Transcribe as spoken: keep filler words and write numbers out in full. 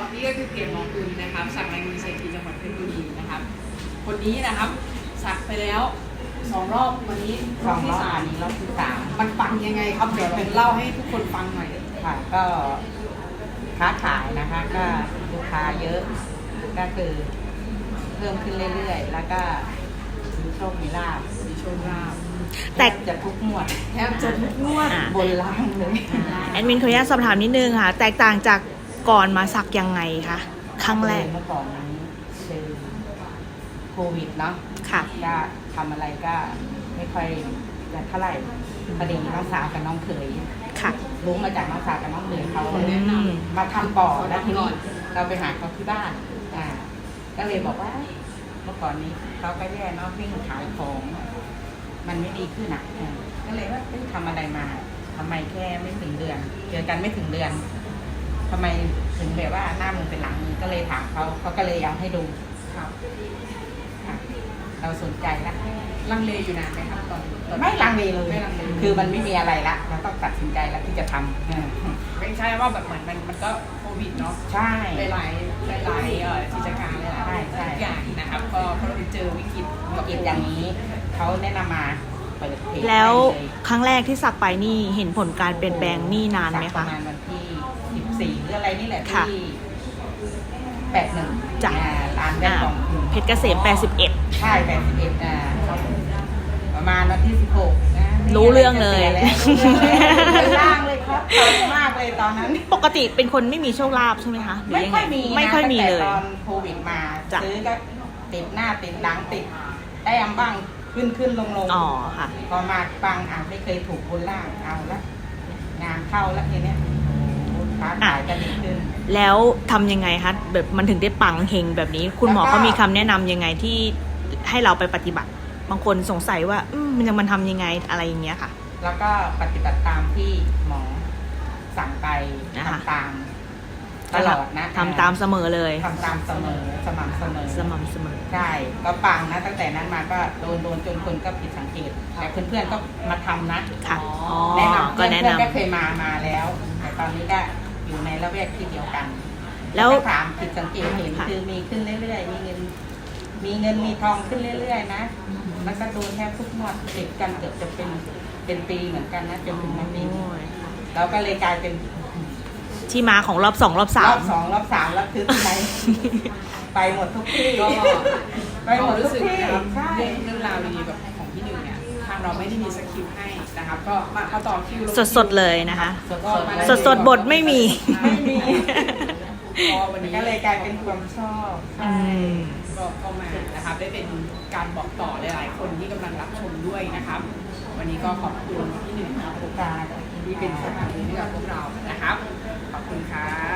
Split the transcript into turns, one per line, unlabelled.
นี่ก็คือเกียรติมองคุณนะครับสักในมือเศรษฐีจังหวัดเพชรบุรีนะครับคนนี้นะครับสักไปแล้วสองรอบวันนี้รอบที่สามนี้รอบที่สามมันปังยังไงครับเดี๋ยวเป็นเล่าให้ทุกคนฟังหน่อย
ค่ะก็ค้าขายนะคะก็ลูกค้าเยอะก็คือเพิ่มขึ้นเรื่อยๆแล้วก็มีโชคมีลาภ
มีโชคลาภ
แต่จะทุกงวด
แทบจะทุกงวด
บนล่างเลย
แอดมินขออนุญาตสอบถามนิดนึงค่ะแตกต่างจากก่อนมาสักยังไงคะครั้งแรก
เมื่อก่อนนี้คือโควิดเนาะ
ค่ะ
ก็ทำอะไรก็ไม่ค่อยจะเท่าไหร่พอดีน้องสาวกับน้องเขย
ค่ะ
รู้มาจากน้องสาวกับน้องเขยเขาแนะนำมาทำปอดแล้วทีนี้เราไปหาเขาที่บ้านอ่าก็เลยบอกว่าเมื่อก่อนนี้เขาก็แย่เนาะวิ่งขายของมันไม่ดีขึ้นอ่ะก็เลยว่าทำอะไรมาทำไมแค่ไม่ถึงเดือนเจอกันไม่ถึงเดือนทำไมถึงแบบว่าหน้ามือเป็นหลังมือก็เลยถามเขาเขาก็เลยเอาให้ดู
ครับ
เราสนใจแล้ว
ลังเลอยู่นานไหมครับตอน
ไม่ลังเลเลยคือมันไม่มีอะไรละเราต้องตัดสินใจแล้วที่จะทำ
ไม่ใช่ว่าแบบเหมือนมันมันก็โควิดเนาะ
ใช่
หลายๆหลายๆเอ่อกิจการหลายๆอย่างนะครับก็เพราะเราเจอวิกฤต
วิกฤตอย่างนี้เขาแนะนำมา
แล้วครั้งแรกที่สักไปนี่เห็นผลการเปลี่ยนแปลงนี่นานไหมคะ
ประมาณวันที่สิบสี่หรืออะไรนี่แหละที่แปดหนึ่ง
จาก
ร้านแรกของ
เพชรเกษมแปดสิบเอ็ด
ใช่แปดสิบเอ็ดอ่าประมาณวันที่สิบหกนะ
รู้เรื่องเลย
ล่างเลยครับตอนมากเลยตอนนั้น
ปกติเป็นคนไม่มีโชคลาภใช่ไหมคะ
ไม่ค่อยมี
ไม่ค่อยมีเลย
ตอนโควิดมาซื้อก็ติดหน้าติดหลังติดแต้มบ้างขึ้นขึ้นลงลง
อ๋อค่ะ
พอมาปังอ่ะไม่เคยถูกบนล่างเอาละงานเข้าแล้วทีเนี้ยค้าขายกันดีขึ้น
แล้วทำยังไงคะแบบมันถึงได้ปังเฮงแบบนี้คุณหมอเขามีคำแนะนำยังไงที่ให้เราไปปฏิบัติบางคนสงสัยว่าอืมมันจะมันทำยังไงอะไรอย่างเงี้ยค่ะ
แล้วก็ปฏิบัติตามที่หมอสั่งไปทำตามตลอดนะ
ทำตามเสมอเลย
ทำตามเสมอสม่ำเสมอ
สม่ำเสมอ
ใช่ก็ปังนะตั้งแต่นั้นมาก็โดนโดนจนคนก็ผิดสังเกตแต่เพื่อนๆก็มาทำนะ
ค่ะ
แนะนำก็แนะนำก็เคยมามาแล้วแต่ตอนนี้ก็อยู่ในละแวกที่เดียวกันแล้วถามผิดสังเกตเห็นคือมีขึ้นเรื่อยๆมีเงินมีเงินมีทองขึ้นเรื่อยๆนะแล้วก็โดนแทบทุกงวดติดกันเกือบจะเป็นเป็นปีเหมือนกันนะจนถึงวันนี้เราก็เลยกลายเป็น
ที่มาของรอบสองรอบสาม
รอบสองรอบสามแล้วคือไปไปหมดทุกที่
ก็
ไปหมดทุกที่
นะครับเรื่องราวดีๆแบบของพี่หนึ่งเนี่ยทางเราไม่ได้มีสคริปต์ให้นะครับก็มาเข้าต่อคิว
สดๆเลยนะคะสดๆบทไม่มี
ไม่มีก็วันนี้ก็เลยกลายเป็นความชอบ
ก็เข้ามานะครับได้เป็นการบอกต่อหลายๆคนที่กำลังรับชมด้วยนะครับวันนี้ก็ขอบคุณพี่หนึ่งครับโอกาสที่เป็นสถานที่ให้กับพวกเรานะครับขอบคุณครับ